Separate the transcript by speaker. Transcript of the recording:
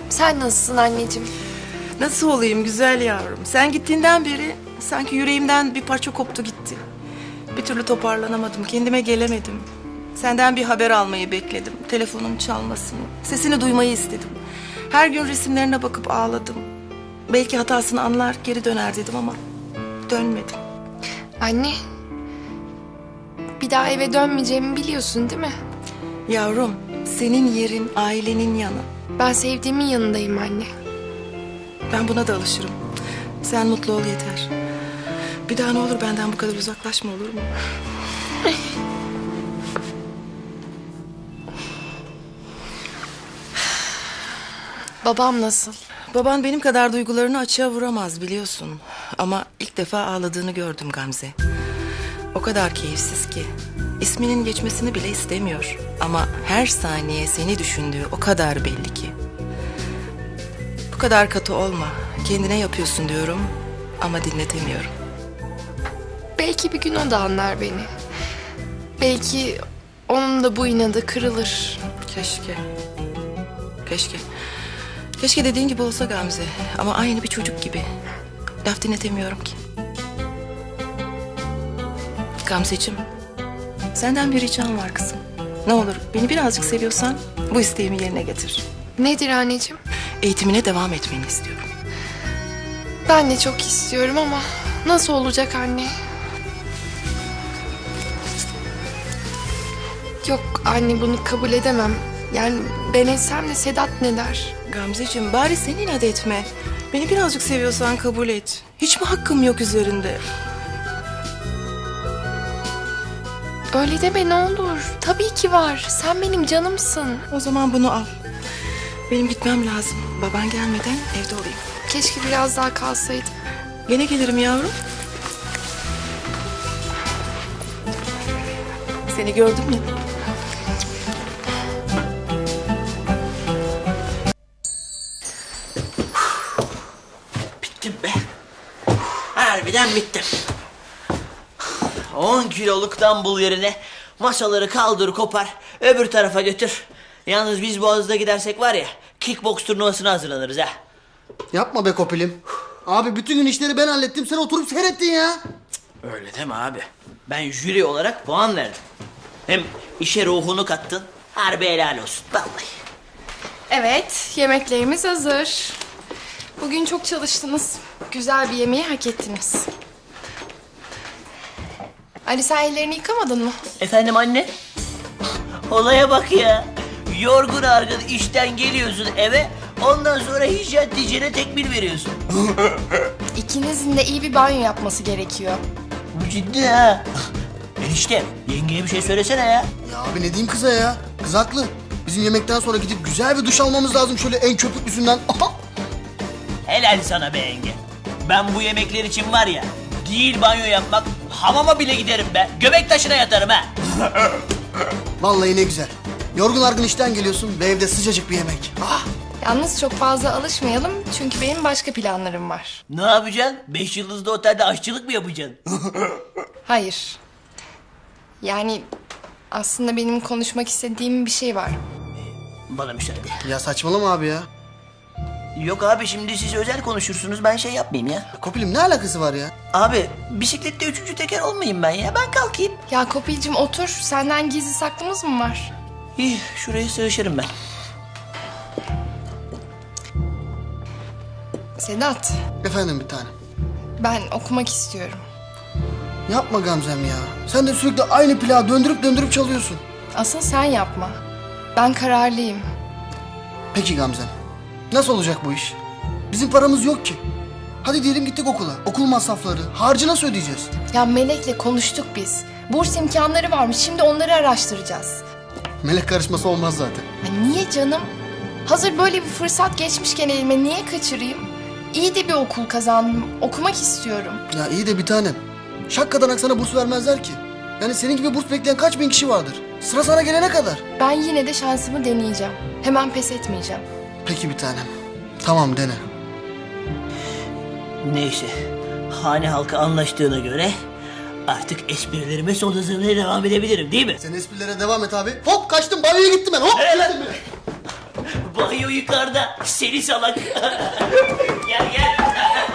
Speaker 1: Sen nasılsın anneciğim?
Speaker 2: Nasıl olayım güzel yavrum? Sen gittiğinden beri sanki yüreğimden bir parça koptu gitti. Bir türlü toparlanamadım, kendime gelemedim. Senden bir haber almayı bekledim, telefonum çalmasını, sesini duymayı istedim. Her gün resimlerine bakıp ağladım. Belki hatasını anlar, geri döner dedim ama dönmedim.
Speaker 1: Anne, bir daha eve dönmeyeceğimi biliyorsun değil mi?
Speaker 2: Yavrum, senin yerin ailenin yanı.
Speaker 1: Ben sevdiğimin yanındayım anne.
Speaker 2: Ben buna da alışırım. Sen mutlu ol yeter. Bir daha ne olur benden bu kadar uzaklaşma, olur mu?
Speaker 1: Babam nasıl?
Speaker 2: Baban benim kadar duygularını açığa vuramaz biliyorsun. Ama ilk defa ağladığını gördüm Gamze. O kadar keyifsiz ki. İsminin geçmesini bile istemiyor. Ama her saniye seni düşündüğü o kadar belli ki. Bu kadar katı olma. Kendine yapıyorsun diyorum ama dinletemiyorum.
Speaker 1: Belki bir gün o da anlar beni. Belki onun da bu inadı kırılır.
Speaker 2: Keşke. Keşke. Keşke dediğin gibi olsa Gamze. Ama aynı bir çocuk gibi. Laf dinletemiyorum ki. Gamzeciğim, senden bir ricam var kızım. Ne olur beni birazcık seviyorsan bu isteğimi yerine getir.
Speaker 1: Nedir anneciğim?
Speaker 2: Eğitimine devam etmeni istiyorum.
Speaker 1: Ben de çok istiyorum ama nasıl olacak anne? Yok anne, bunu kabul edemem. Yani ben etsem de Sedat ne der?
Speaker 2: Gamzeciğim bari sen inat etme. Beni birazcık seviyorsan kabul et. Hiç mi hakkım yok üzerinde?
Speaker 1: Öyle deme ne olur. Tabii ki var. Sen benim canımsın.
Speaker 2: O zaman bunu al. Benim gitmem lazım. Baban gelmeden evde olayım.
Speaker 1: Keşke biraz daha kalsaydım.
Speaker 2: Gene gelirim yavrum. Seni gördüm ya.
Speaker 3: Bittim be. Harbiden bittim. 10 kiloluk dumbbell yerine masaları kaldır kopar öbür tarafa götür. Yalnız biz Boğaz'da gidersek var ya kickbox turnuvasına hazırlanırız ha.
Speaker 4: Yapma be Kopilim. Abi bütün gün işleri ben hallettim. Sen oturup seyrettin ya.
Speaker 3: Öyle deme abi. Ben jüri olarak puan verdim. Hem işe ruhunu kattın. Harbi helal olsun vallahi.
Speaker 1: Evet, yemeklerimiz hazır. Bugün çok çalıştınız. Güzel bir yemeği hak ettiniz. Ali, sen ellerini yıkamadın mı?
Speaker 3: Efendim anne? Olaya bak ya. Yorgun argın işten geliyorsun eve. Ondan sonra hijyen diyeceğine tekmil veriyorsun.
Speaker 1: İkinizin de iyi bir banyo yapması gerekiyor.
Speaker 3: Bu ciddi ha. Enişte yengeye bir şey söylesene ya.
Speaker 4: Ya abi ne diyeyim kıza ya? Kız haklı. Bizim yemekten sonra gidip güzel bir duş almamız lazım şöyle en köpüklüsünden. Aha!
Speaker 3: Helal sana be yenge. Ben bu yemekler için var ya, değil banyo yapmak, hamama bile giderim be. Göbek taşına yatarım ha.
Speaker 4: Vallahi ne güzel. Yorgun argın işten geliyorsun ve evde sıcacık bir yemek. Ah!
Speaker 1: Yalnız çok fazla alışmayalım çünkü benim başka planlarım var.
Speaker 3: Ne yapacaksın? 5 yıldızlı otelde aşçılık mı yapacaksın?
Speaker 1: Hayır. Yani aslında benim konuşmak istediğim bir şey var.
Speaker 3: Bana müsaade.
Speaker 4: Ya saçmalama abi ya.
Speaker 3: Yok abi şimdi siz özel konuşursunuz, ben şey yapmayayım ya.
Speaker 4: Kopilim ne alakası var ya?
Speaker 3: Abi bisiklette 3. teker olmayayım ben ya, ben kalkayım.
Speaker 1: Ya Kopil'cim otur. Senden gizli saklımız mı var?
Speaker 3: İyi, şuraya sığışırım ben.
Speaker 1: Sedat,
Speaker 4: Efendim bir tanem.
Speaker 1: ben okumak istiyorum.
Speaker 4: Yapma Gamzem ya. Sen de sürekli aynı plağı döndürüp döndürüp çalıyorsun.
Speaker 1: Asıl sen yapma. Ben kararlıyım.
Speaker 4: Peki Gamzem. Nasıl olacak bu iş? Bizim paramız yok ki. Hadi diyelim gittik okula. Okul masrafları, harcı nasıl ödeyeceğiz?
Speaker 1: Ya Melek'le konuştuk biz. Burs imkanları varmış. Şimdi onları araştıracağız.
Speaker 4: Melek karışması olmaz zaten.
Speaker 1: Ya niye canım? Hazır böyle bir fırsat geçmişken elime niye kaçırayım? İyi de bir okul kazandım. Okumak istiyorum.
Speaker 4: Ya iyi de bir tanem. Şakkadanak sana burs vermezler ki. Yani senin gibi burs bekleyen kaç bin kişi vardır? Sıra sana gelene kadar.
Speaker 1: Ben yine de şansımı deneyeceğim. Hemen pes etmeyeceğim.
Speaker 4: Peki bir tanem. Tamam dene.
Speaker 3: Neyse, hane halkı anlaştığına göre artık esprilerime son hızımla devam edebilirim değil mi?
Speaker 4: Sen esprilere devam et abi. Hop kaçtım banyoya gittim ben hop.
Speaker 3: Nereye lan?
Speaker 4: Gittim bile.
Speaker 3: Banyo yukarıda. Seni salak. Gel gel.